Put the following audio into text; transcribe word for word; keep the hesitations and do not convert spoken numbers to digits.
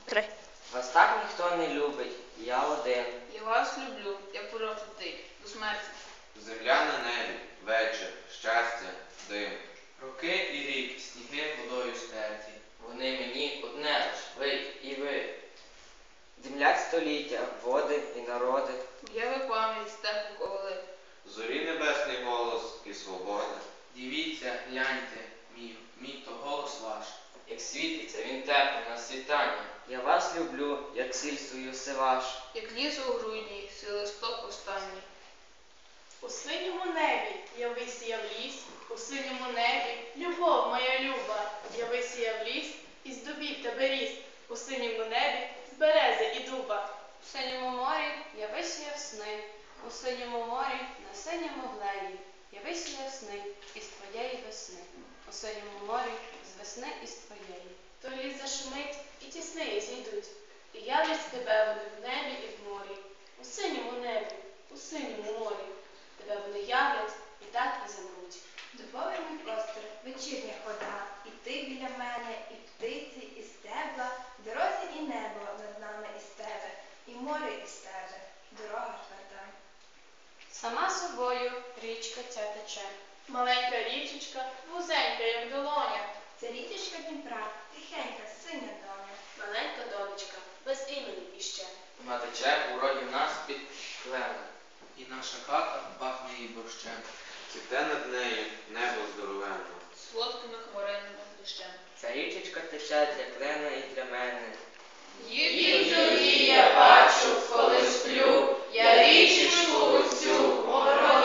Три. Вас так ніхто не любить, я один. Я вас люблю, я прокляти до смерті. Земля на небі, вечір, щастя, дим. Роки і рік, сніги водою стерті. Вони мені одне лиш, ви і ви. Землять століття, води і народи. Уяви пам'ять степу ковали. Зорі небесний голос і свобода. Дивіться, гляньте, мій, мій то голос ваш. Як світиться він тепло на світанні. Я вас люблю, як сіль свою сиваш. Як ліс у грудні, свій останній. У синьому небі я висіяв ліс, у синьому небі любов моя люба. Я висіяв ліс і з дубів тебе ріс, у синьому небі з берези і дуба. У синьому морі я висіяв сни, у синьому морі на синьому гледі. Я висіяв сни із твоєї весни, у синьому морі з весни із твоєї. То ліс зашумить і ті сни зійдуть, і являть тебе вони в небі і в морі. У синьому небі, у синьому морі, тебе вони являть і так і замруть. Дубовий мій простір, вечірня хода, і ти біля мене, і птиці, і стебла, в дорозі і небо над нами із тебе, і море із тебе, дорога тверда. Сама собою річка ця тече. Маленька річечка, вузенька, як долоня. Це річечка Дніпра, тихенька, синя доня. Маленька донечка, без імені іще. Вона тече у роді в нас під кленом. І наша хата пахне її борщем. Цвіте над нею небо здоровенно. Солодкими хмаринами дощем. Ця річечка тече для клена і для мене. Їх тобі я бачу, коли сплю, я річечку цю мороз.